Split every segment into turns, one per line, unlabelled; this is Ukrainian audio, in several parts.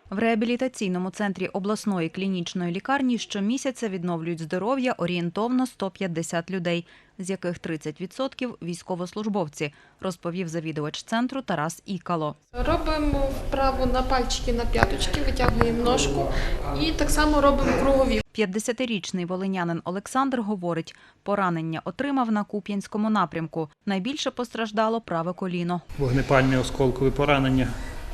В реабілітаційному центрі обласної клінічної лікарні щомісяця відновлюють здоров'я орієнтовно 150 людей, з яких 30% – військовослужбовці, розповів завідувач центру Тарас Ікало.
Робимо вправу на пальчики, на п'яточки, витягуємо ножку і так само робимо кругові.
50-річний волинянин Олександр говорить, поранення отримав на Куп'янському напрямку. Найбільше постраждало праве коліно.
Вогнепальне осколкове поранення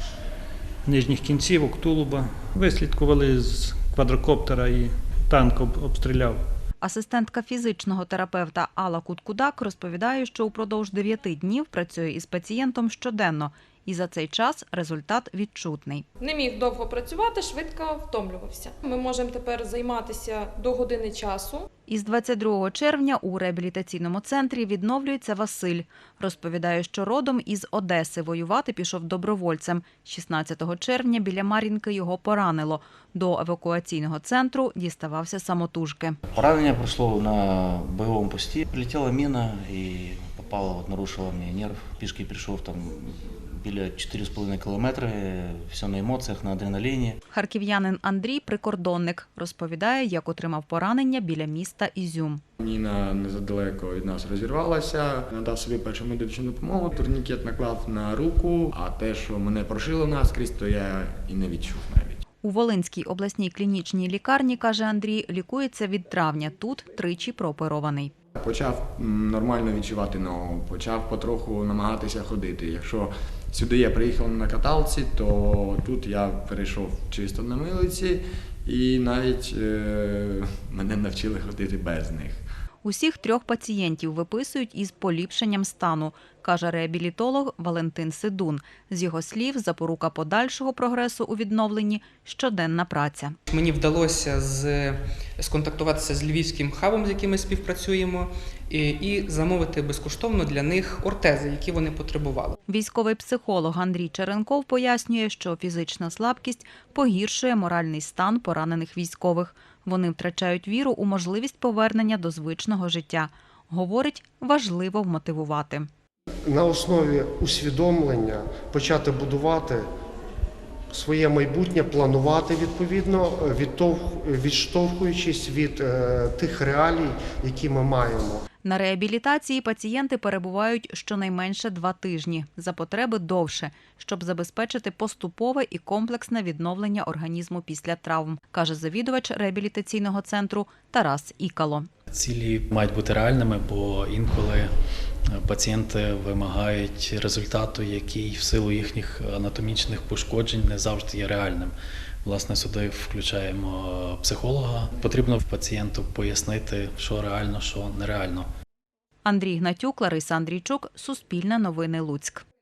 нижніх кінцівок, тулуба. Вислідкували з квадрокоптера і танк обстріляв.
Асистентка фізичного терапевта Алла Куткудак розповідає, що упродовж 9 днів працює із пацієнтом щоденно. І за цей час результат відчутний.
Не міг довго працювати, швидко втомлювався. Ми можемо тепер займатися до години часу.
Із 22 червня у реабілітаційному центрі відновлюється Василь. Розповідає, що родом із Одеси, воювати пішов добровольцем. 16 червня біля Мар'їнки його поранило. До евакуаційного центру діставався самотужки.
Поранение прошло на боевом посте. Прилетела мина и попала, нарушила мне нерв. Пешки пришел там біля 4,5 кілометри, все на емоціях, на адреналіні.
Харків'янин Андрій – прикордонник. Розповідає, як отримав поранення біля міста Ізюм.
Міна незадалеко від нас розірвалася, надав собі першу медичну допомогу, турнікет наклав на руку, а те, що мене прошило наскрізь, то я і не відчув навіть.
У Волинській обласній клінічній лікарні, каже Андрій, лікується від травня. Тут тричі прооперований.
Почав нормально відчувати ногу, почав потроху намагатися ходити. Якщо сюди я приїхав на каталці, то тут я перейшов чисто на милиці і навіть мене навчили ходити без них.
Усіх 3 пацієнтів виписують із поліпшенням стану, каже реабілітолог Валентин Сидун. З його слів, запорука подальшого прогресу у відновленні – щоденна праця.
Мені вдалося сконтактуватися з львівським хабом, з яким ми співпрацюємо, і замовити безкоштовно для них ортези, які вони потребували.
Військовий психолог Андрій Черенков пояснює, що фізична слабкість погіршує моральний стан поранених військових. Вони втрачають віру у можливість повернення до звичного життя. Говорить, важливо вмотивувати.
На основі усвідомлення почати будувати своє майбутнє, планувати відповідно, відштовхуючись від тих реалій, які ми маємо.
На реабілітації пацієнти перебувають щонайменше 2 тижні, за потреби довше, щоб забезпечити поступове і комплексне відновлення організму після травм, каже завідувач реабілітаційного центру Тарас Ікало.
Цілі мають бути реальними, бо інколи пацієнти вимагають результату, який в силу їхніх анатомічних пошкоджень не завжди є реальним. Власне, сюди включаємо психолога. Потрібно пацієнту пояснити, що реально, що нереально.
Андрій Гнатюк, Лариса Андрійчук, Суспільне новини Луцьк.